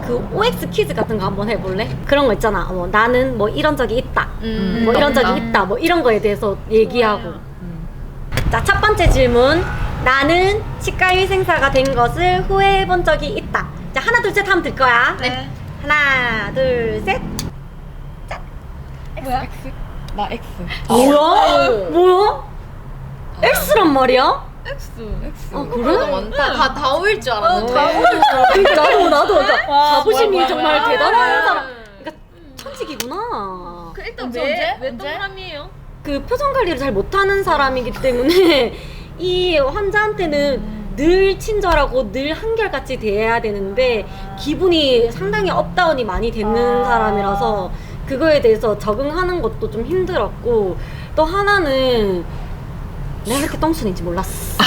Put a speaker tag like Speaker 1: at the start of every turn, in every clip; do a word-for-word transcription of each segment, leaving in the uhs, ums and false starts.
Speaker 1: 그 오엑스 퀴즈 같은 거 한번 해볼래? 그런 거 있잖아. 뭐 나는 뭐 이런 적이 있다.
Speaker 2: 음,
Speaker 1: 뭐 이런 적이
Speaker 2: 맞다.
Speaker 1: 있다. 뭐 이런 거에 대해서 얘기하고. 자, 첫 번째 질문. 나는 치과위생사가 된 것을 후회해본 적이 있다. 자, 하나 둘 셋 하면 될 거야.
Speaker 3: 네.
Speaker 1: 하나 둘 셋.
Speaker 3: 뭐야?
Speaker 2: 나 X.
Speaker 1: 뭐야? 뭐야? X란 말이야?
Speaker 3: X.
Speaker 2: X.
Speaker 1: 아, 그래?
Speaker 2: 많다. 다 다오일 줄 알았는데.
Speaker 1: 그러니까 나도 나도 그러니까
Speaker 3: 와,
Speaker 1: 자부심이
Speaker 3: 뭐야, 뭐야,
Speaker 1: 정말
Speaker 3: 뭐야.
Speaker 1: 대단한 사람. 그러니까 천직이구나.
Speaker 3: 그 일단
Speaker 2: 언제,
Speaker 3: 왜?
Speaker 2: 언제?
Speaker 3: 왜
Speaker 2: 언제?
Speaker 3: 동그라미예요?
Speaker 1: 그 표정 관리를 잘 못하는 사람이기 때문에 이 환자한테는 늘 친절하고 늘 한결같이 대해야 되는데 기분이 상당히 업다운이 많이 되는
Speaker 3: 아.
Speaker 1: 사람이라서 그거에 대해서 적응하는 것도 좀 힘들었고 또 하나는 내가 그렇게 똥손인지 몰랐어.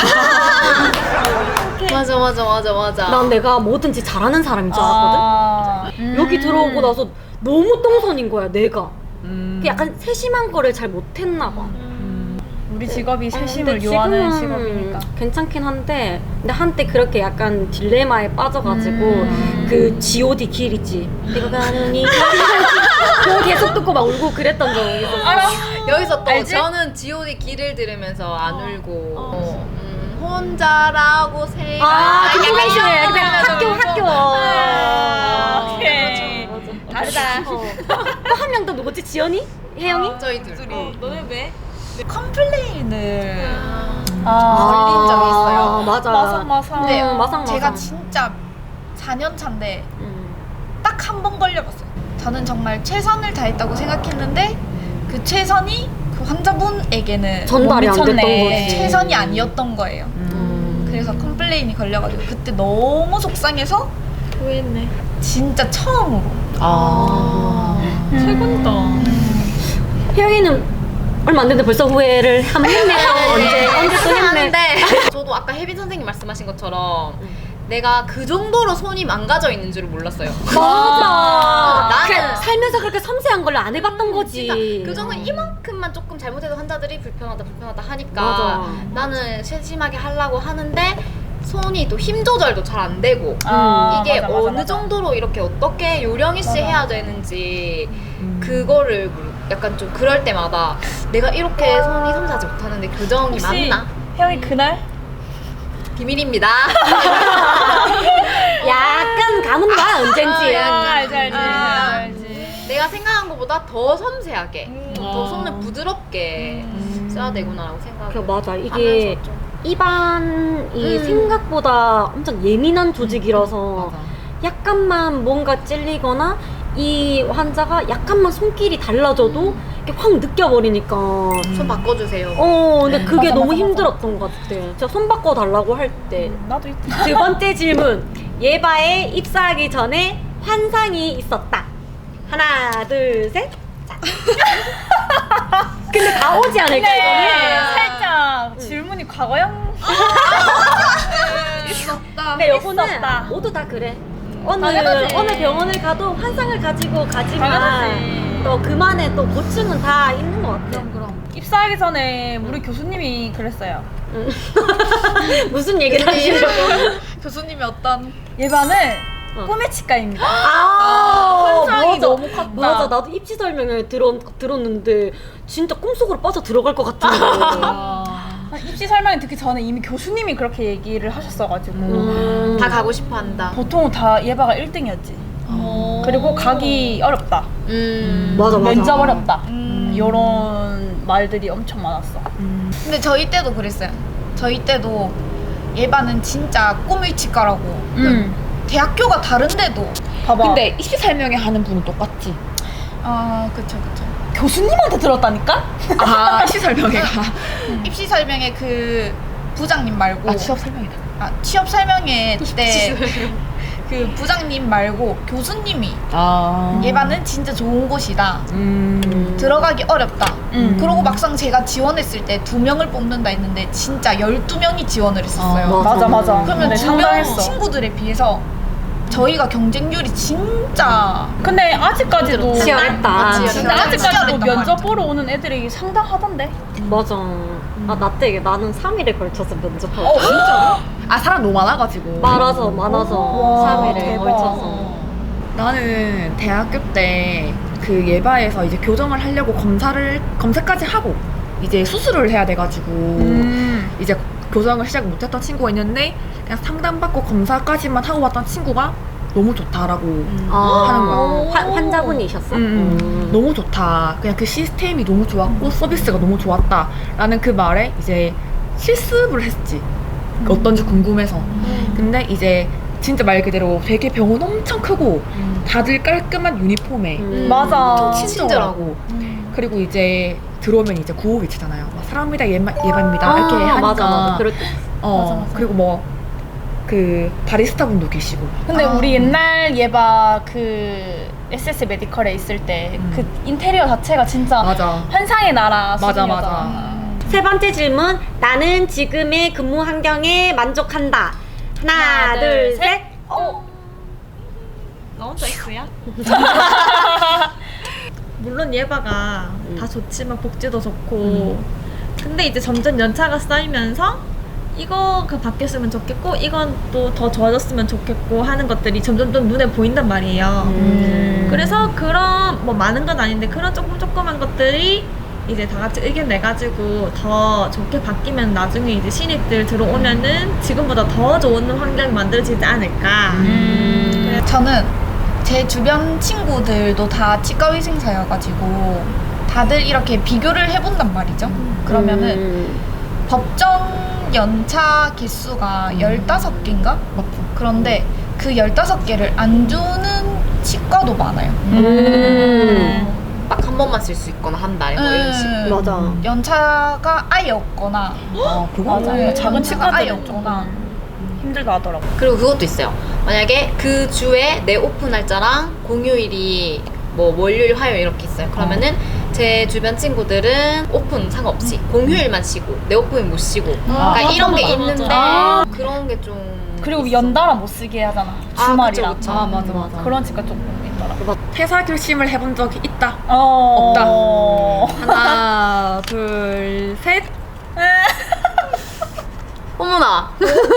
Speaker 2: 맞아 맞아 맞아 맞아.
Speaker 1: 난 내가 뭐든지 잘하는 사람인 줄 알았거든.
Speaker 3: 아, 음.
Speaker 1: 여기 들어오고 나서 너무 똥손인 거야 내가.
Speaker 2: 음.
Speaker 1: 그 약간 세심한 거를 잘 못했나 봐.
Speaker 3: 우리 직업이
Speaker 1: 어,
Speaker 3: 세심을
Speaker 1: 근데
Speaker 3: 요하는
Speaker 1: 지금은
Speaker 3: 직업이니까.
Speaker 1: 괜찮긴 한데 근데 한때 그렇게 약간 딜레마에 빠져가지고
Speaker 3: 음.
Speaker 1: 그 지 오 디 길 있지 내가 가는 이 그거 계속 듣고 막 울고 그랬던 적이 있었어.
Speaker 3: 알아?
Speaker 2: 여기서 또
Speaker 3: 알지?
Speaker 2: 저는 지 오 디 길을 들으면서 안 울고 어, 음, 혼자라고 생각.
Speaker 1: 아, 그
Speaker 2: 약간
Speaker 1: 노래
Speaker 2: 이런
Speaker 1: 중에
Speaker 2: 거
Speaker 1: 그냥 학교
Speaker 2: 들으면서
Speaker 1: 학교.
Speaker 3: 아, 오케이.
Speaker 1: 맞아, 맞아.
Speaker 3: 다르다.
Speaker 1: 또 한 명 더 누구지? 지연이? 혜영이?
Speaker 2: 저희 둘. 어.
Speaker 3: 너네 왜? 컴플레인을
Speaker 1: 아,
Speaker 3: 걸린 적이 있어요.
Speaker 1: 맞아.
Speaker 3: 마상 마상.
Speaker 1: 네, 마상 마상.
Speaker 4: 제가 진짜 사 년 차인데
Speaker 1: 음.
Speaker 4: 딱 한 번 걸려봤어요. 저는 정말 최선을 다했다고 생각했는데 그 최선이 그 환자분에게는
Speaker 1: 전달이 안
Speaker 3: 못
Speaker 1: 됐던
Speaker 3: 미쳤네.
Speaker 1: 거지.
Speaker 4: 최선이 아니었던 거예요.
Speaker 1: 음.
Speaker 4: 그래서 컴플레인이 걸려가지고 그때 너무 속상해서
Speaker 2: 후회했네.
Speaker 4: 진짜 처음으로
Speaker 2: 아.
Speaker 3: 최고다.
Speaker 1: 혜영이는 얼마 안 됐는데 벌써 후회를 한번 했네. 언제 언제 또 했네.
Speaker 2: 하는데 저도 아까 혜빈 선생님 말씀하신 것처럼 내가 그 정도로 손이 망가져 있는 줄은 몰랐어요.
Speaker 1: 맞아.
Speaker 2: 나는-
Speaker 1: 그냥 살면서 그렇게 섬세한 걸 안 해봤던 거지.
Speaker 2: 진짜 그 정도는 이만큼만 조금 잘못해도 환자들이 불편하다 불편하다 하니까
Speaker 1: 맞아.
Speaker 2: 나는 세심하게 하려고 하는데 손이 또 힘 조절도 잘 안 되고
Speaker 3: 아,
Speaker 2: 이게
Speaker 3: 맞아, 맞아,
Speaker 2: 어느
Speaker 3: 맞아.
Speaker 2: 정도로 이렇게 어떻게 요령 있이
Speaker 3: 맞아.
Speaker 2: 해야 되는지 그거를 약간 좀 그럴 때마다 내가 이렇게 손이 섬세하지 못하는데 교정이
Speaker 3: 혹시
Speaker 2: 맞나?
Speaker 3: 형이 그날
Speaker 2: 비밀입니다.
Speaker 1: 약간 감은 봐 언젠지.
Speaker 3: 아, 알지 알지
Speaker 2: 아.
Speaker 3: 알지.
Speaker 2: 내가 생각한 것보다 더 섬세하게
Speaker 3: 음.
Speaker 2: 더
Speaker 3: 아.
Speaker 2: 손을 부드럽게 써야 되구나라고 생각을
Speaker 1: 그 맞아. 이게
Speaker 2: 하면서 좀.
Speaker 1: 입안이
Speaker 2: 음.
Speaker 1: 생각보다 엄청 예민한 조직이라서
Speaker 2: 맞아.
Speaker 1: 약간만 뭔가 찔리거나 이 환자가 약간만 손길이 달라져도 이렇게 확 느껴버리니까.
Speaker 2: 손 바꿔주세요.
Speaker 1: 어, 근데 그게
Speaker 3: 맞아,
Speaker 1: 너무
Speaker 3: 맞아,
Speaker 1: 힘들었던 것 같아. 제가 손 바꿔 달라고 할 때.
Speaker 3: 나도 있다.
Speaker 1: 두 번째 질문. 예바에 입사하기 전에 환상이 있었다. 하나, 둘, 셋. 자. 근데 다 오지 않을까,
Speaker 3: 근데
Speaker 1: 이거는?
Speaker 3: 살짝 질문이 과거형.
Speaker 4: 있었다.
Speaker 1: 근데 요거는
Speaker 3: 있었다.
Speaker 1: 모두 다 그래. 어느,
Speaker 3: 당연하지.
Speaker 1: 어느 병원을 가도 환상을 가지고 가지만
Speaker 3: 당연하지.
Speaker 1: 또 그만의 또 고충은 다 있는 것 같아.
Speaker 4: 그럼
Speaker 3: 입사하기 전에 우리 교수님이 그랬어요.
Speaker 1: 무슨 얘기를 하시려고?
Speaker 4: 교수님이 어떤
Speaker 3: 예반은
Speaker 1: 어.
Speaker 3: 꿈의 치과입니다.
Speaker 1: 아,
Speaker 3: 환상이
Speaker 1: 맞아.
Speaker 3: 너무 컸다.
Speaker 1: 맞아, 나도 입시 설명을 들었, 들었는데 진짜 꿈속으로 빠져 들어갈 것 같은 거.
Speaker 3: 입시 설명을 듣기 전에 이미 교수님이 그렇게 얘기를 하셨어가지고
Speaker 1: 음.
Speaker 2: 다 가고 싶어 한다.
Speaker 3: 보통 다 예바가 일 등이었지. 그리고 가기 어렵다.
Speaker 2: 음.
Speaker 1: 맞아, 맞아.
Speaker 3: 면접 어렵다.
Speaker 4: 음.
Speaker 3: 이런 말들이 엄청 많았어.
Speaker 4: 근데 저희 때도 그랬어요. 저희 때도 예반은 진짜 꿈의 치과라고.
Speaker 3: 음.
Speaker 4: 대학교가 다른데도
Speaker 3: 봐봐.
Speaker 2: 근데 입시 설명회 하는 분은 똑같지.
Speaker 4: 아 그쵸 그쵸.
Speaker 3: 교수님한테 들었다니까?
Speaker 2: 아 입시 설명회가.
Speaker 4: 입시 설명회 그 부장님 말고
Speaker 2: 아 취업 설명회다.
Speaker 4: 아, 취업 설명회 때 그 부장님 말고 교수님이
Speaker 2: 아.
Speaker 4: 예반은 진짜 좋은 곳이다.
Speaker 2: 음.
Speaker 4: 들어가기 어렵다.
Speaker 3: 음.
Speaker 4: 그러고 막상 제가 지원했을 때 두 명을 뽑는다 했는데 진짜 열두 명이 지원을 했었어요.
Speaker 1: 아,
Speaker 3: 맞아 맞아.
Speaker 4: 그러면
Speaker 3: 근데
Speaker 4: 두 명
Speaker 3: 상당했어.
Speaker 4: 친구들에 비해서 저희가 경쟁률이 진짜
Speaker 3: 근데 아직까지도
Speaker 1: 치열했다.
Speaker 4: 맞지,
Speaker 3: 근데
Speaker 4: 진짜
Speaker 3: 아직까지도
Speaker 4: 치열했단
Speaker 3: 면접
Speaker 4: 말이죠.
Speaker 3: 보러 오는 애들이 상당하던데.
Speaker 1: 맞아. 아, 나 때 나는 삼 일에 걸쳐서 면접하고.
Speaker 2: 아 사람 너무 많아가지고.
Speaker 1: 많아서, 많아서.
Speaker 3: 와,
Speaker 1: 삼 일에
Speaker 3: 대박.
Speaker 1: 걸쳐서.
Speaker 5: 나는 대학교 때 그 예바에서 이제 교정을 하려고 검사를 검사까지 하고 이제 수술을 해야 돼가지고
Speaker 3: 음.
Speaker 5: 이제 교정을 시작 못했던 친구가 있는데 그냥 상담받고 검사까지만 하고 왔던 친구가 너무 좋다라고
Speaker 1: 아,
Speaker 5: 하는 거야.
Speaker 1: 환- 환자분이셨어?
Speaker 5: 음,
Speaker 1: 음.
Speaker 5: 너무 좋다. 그냥 그 시스템이 너무 좋았고 서비스가 너무 좋았다라는 그 말에 이제 실습을 했지. 어떤지 궁금해서. 근데 이제 진짜 말 그대로 되게 병원 엄청 크고 다들 깔끔한 유니폼에
Speaker 1: 음.
Speaker 3: 맞아.
Speaker 5: 친절하고 그리고 이제 들어오면 이제 구호 외치잖아요. 막 사랑합니다, 예바, 예바입니다 이렇게
Speaker 1: 아,
Speaker 5: 하니까
Speaker 1: 맞아, 맞아. 그럴 때.
Speaker 5: 어
Speaker 3: 맞아, 맞아.
Speaker 5: 그리고 뭐 그 바리스타 분도 계시고
Speaker 3: 근데
Speaker 4: 아.
Speaker 3: 우리 옛날 예바 그 에스에스 메디컬에 있을 때 그
Speaker 5: 음.
Speaker 3: 인테리어 자체가 진짜
Speaker 5: 맞아
Speaker 3: 환상의 나라
Speaker 5: 맞아,
Speaker 3: 수준이었잖아.
Speaker 5: 맞아.
Speaker 1: 세 번째 질문. 나는 지금의 근무 환경에 만족한다. 하나,
Speaker 3: 하나,
Speaker 1: 둘,
Speaker 3: 둘,
Speaker 1: 셋.
Speaker 3: 셋.
Speaker 1: 어.
Speaker 4: 나 혼자 X야? 물론 예바가
Speaker 1: 음.
Speaker 4: 다 좋지만 복지도 좋고 근데 이제 점점 연차가 쌓이면서 이거 그 바뀌었으면 좋겠고 이건 또 더 좋아졌으면 좋겠고 하는 것들이 점점 좀 눈에 보인단 말이에요.
Speaker 1: 음.
Speaker 4: 그래서 그런 뭐 많은 건 아닌데 그런 조금 조그만 것들이 이제 다 같이 의견 내가지고 더 좋게 바뀌면 나중에 이제 신입들 들어오면은 지금보다 더 좋은 환경이 만들어지지 않을까.
Speaker 3: 음.
Speaker 4: 저는 제 주변 친구들도 다 치과의생사여가지고 다들 이렇게 비교를 해본단 말이죠. 그러면은
Speaker 1: 음.
Speaker 4: 법정 연차 개수가 열다섯 개인가? 그런데 그 열다섯 개를 안 주는 치과도 많아요.
Speaker 1: 음.
Speaker 2: 딱 한 번만 쓸 수 있거나 한 달에 뭐 이런 식으로.
Speaker 4: 음.
Speaker 1: 맞아.
Speaker 4: 연차가 아예 없거나
Speaker 5: 어 그거
Speaker 3: 맞아.
Speaker 4: 네,
Speaker 3: 작은
Speaker 4: 연차가 아예
Speaker 3: 치과들은
Speaker 4: 없거나
Speaker 3: 조금 힘들다 하더라고.
Speaker 2: 그리고 그것도 있어요. 만약에 그 주에 내 오픈 날짜랑 공휴일이 뭐 월요일, 화요일 이렇게 있어요. 그러면은 제 주변 친구들은 오픈 상관없이 공휴일만 쉬고 내 오픈은 못 쉬고
Speaker 3: 아,
Speaker 2: 그러니까
Speaker 3: 맞아,
Speaker 2: 이런 게
Speaker 3: 맞아,
Speaker 2: 있는데
Speaker 3: 맞아.
Speaker 2: 그런 게 좀
Speaker 3: 그리고
Speaker 2: 있어.
Speaker 3: 연달아 못 쓰게 하잖아.
Speaker 2: 아,
Speaker 3: 주말이랑.
Speaker 2: 그쵸, 그쵸.
Speaker 5: 아 맞아 맞아
Speaker 3: 그런 치과 조금 있더라.
Speaker 5: 퇴사 결심을 해본 적이 있다.
Speaker 3: 어...
Speaker 5: 하나 둘셋
Speaker 2: 어머나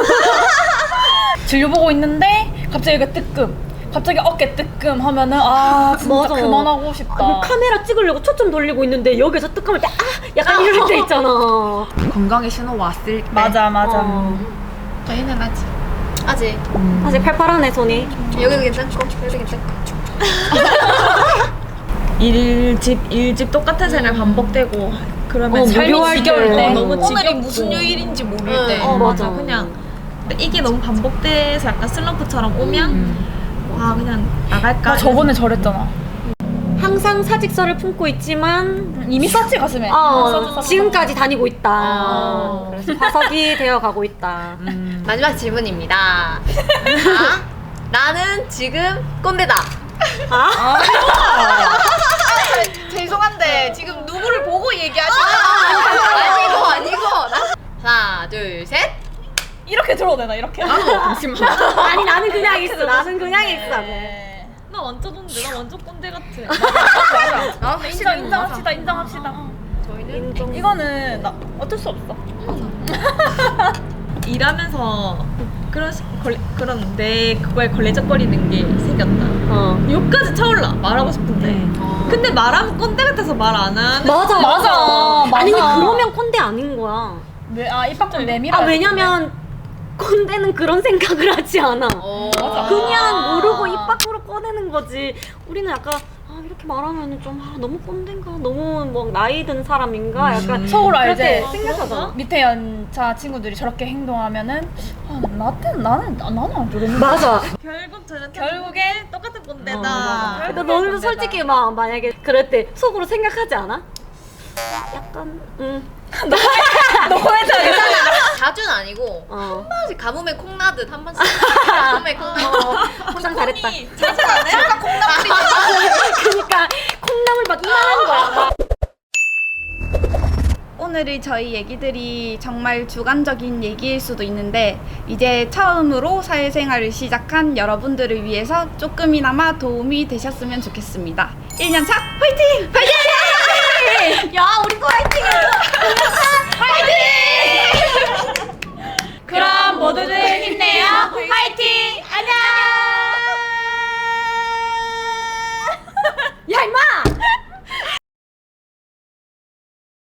Speaker 3: 진료 보고 있는데 갑자기 이거 뜨끔. 갑자기 어깨 뜨끔 하면은 아 진짜
Speaker 1: 맞아.
Speaker 3: 그만하고 싶다.
Speaker 1: 아, 뭐 카메라 찍으려고 초점 돌리고 있는데 여기서 뜨끔할 때 아! 약간 이럴 때 있잖아.
Speaker 5: 건강의 신호 왔을 때
Speaker 3: 맞아 맞아.
Speaker 1: 어.
Speaker 4: 저희는 아직
Speaker 2: 아직
Speaker 5: 음.
Speaker 1: 아직 팔팔하네 손이.
Speaker 2: 여기도 괜찮고 여기도 괜찮고
Speaker 4: 일집 일집 똑같은 생활 반복되고 그러면
Speaker 1: 어,
Speaker 4: 삶이
Speaker 1: 무료할
Speaker 4: 지겨울
Speaker 1: 때.
Speaker 4: 때
Speaker 1: 어,
Speaker 4: 너무
Speaker 1: 너무
Speaker 4: 오늘이
Speaker 3: 지겹고.
Speaker 4: 무슨 요일인지 모를
Speaker 2: 응.
Speaker 4: 때
Speaker 1: 어, 맞아.
Speaker 4: 그냥 이게 너무 반복돼서 약간 슬럼프처럼 오면
Speaker 5: 음.
Speaker 4: 아 그냥 나갈까
Speaker 3: 나 저번에 저랬잖아.
Speaker 1: 항상 사직서를 품고 있지만
Speaker 3: 이미 썼지 가슴에.
Speaker 1: 어,
Speaker 3: 썼지, 썼지.
Speaker 1: 지금까지 다니고 있다.
Speaker 2: 아.
Speaker 1: 그래서 화석이 되어 가고 있다.
Speaker 5: 음.
Speaker 2: 마지막 질문입니다. 자, 나는 지금 꼰대다.
Speaker 1: 아?
Speaker 4: 죄송한데 지금 누구를 보고 얘기하시는
Speaker 2: 아니고 아니고 하나 둘 셋.
Speaker 3: 이렇게 들어도 되나 이렇게?
Speaker 5: 잠시만
Speaker 1: 아니 나는 그냥 있어. 나는 그냥 있어.
Speaker 3: 네.
Speaker 4: 나 완전 꼰대 나 완전 꼰대 같아
Speaker 5: 아,
Speaker 3: 인정 인정합시다 인정합시다.
Speaker 2: 저희는
Speaker 1: 인정.
Speaker 3: 이거는 나 어쩔 수 없어.
Speaker 4: 일하면서 그런 시- 걸레, 그런 내 그거에 걸레적거리는 게 생겼다
Speaker 1: 어.
Speaker 4: 욕까지 차올라 말하고 싶은데
Speaker 2: 어.
Speaker 4: 근데 말하면 꼰대 같아서 말 안 하는
Speaker 1: 맞아
Speaker 3: 맞아,
Speaker 1: 아니
Speaker 3: 맞아.
Speaker 1: 그러면 꼰대 아닌 거야.
Speaker 3: 왜, 아 입 밖으로 내밀어.
Speaker 1: 아 왜냐면 꼰대는 그런 생각을 하지 않아.
Speaker 2: 어.
Speaker 1: 그냥 모르고 입 밖으로 꺼내는 거지. 우리는 약간 아 이렇게 말하면 좀 아, 너무 꼰대인가 너무 뭐 나이 든 사람인가 약간
Speaker 3: 속으로
Speaker 1: 그렇게
Speaker 3: 알지?
Speaker 1: 생각하잖아.
Speaker 3: 밑에 연차 친구들이 저렇게 행동하면은 아, 나한테는 나는 나- 나는 안 저랬는데.
Speaker 1: 맞아.
Speaker 4: 결국 저는
Speaker 3: 결국엔
Speaker 4: 똑같은 꼰대다
Speaker 1: 어, 맞아. 근데
Speaker 3: 결국엔
Speaker 1: 너는
Speaker 3: 꼰대다.
Speaker 1: 솔직히 막 만약에 그럴 때 속으로 생각하지 않아? 약간 응.
Speaker 3: 너무해서
Speaker 2: 자주는 아니고
Speaker 1: 어.
Speaker 2: 한 번씩 가뭄에 콩 나듯 한 번씩 가뭄에 콩 나듯.
Speaker 1: 어, 포장 잘했다.
Speaker 4: 자주가 제가 콩나물이
Speaker 1: 그러니까 콩나물 막 이만한 거야.
Speaker 6: 오늘의 저희 얘기들이 정말 주관적인 얘기일 수도 있는데 이제 처음으로 사회생활을 시작한 여러분들을 위해서 조금이나마 도움이 되셨으면 좋겠습니다. 일 년 차 화이팅! 화이팅!
Speaker 1: 야 우리 거 화이팅!
Speaker 3: 그럼 모두들 힘내요. 화이팅! 안녕!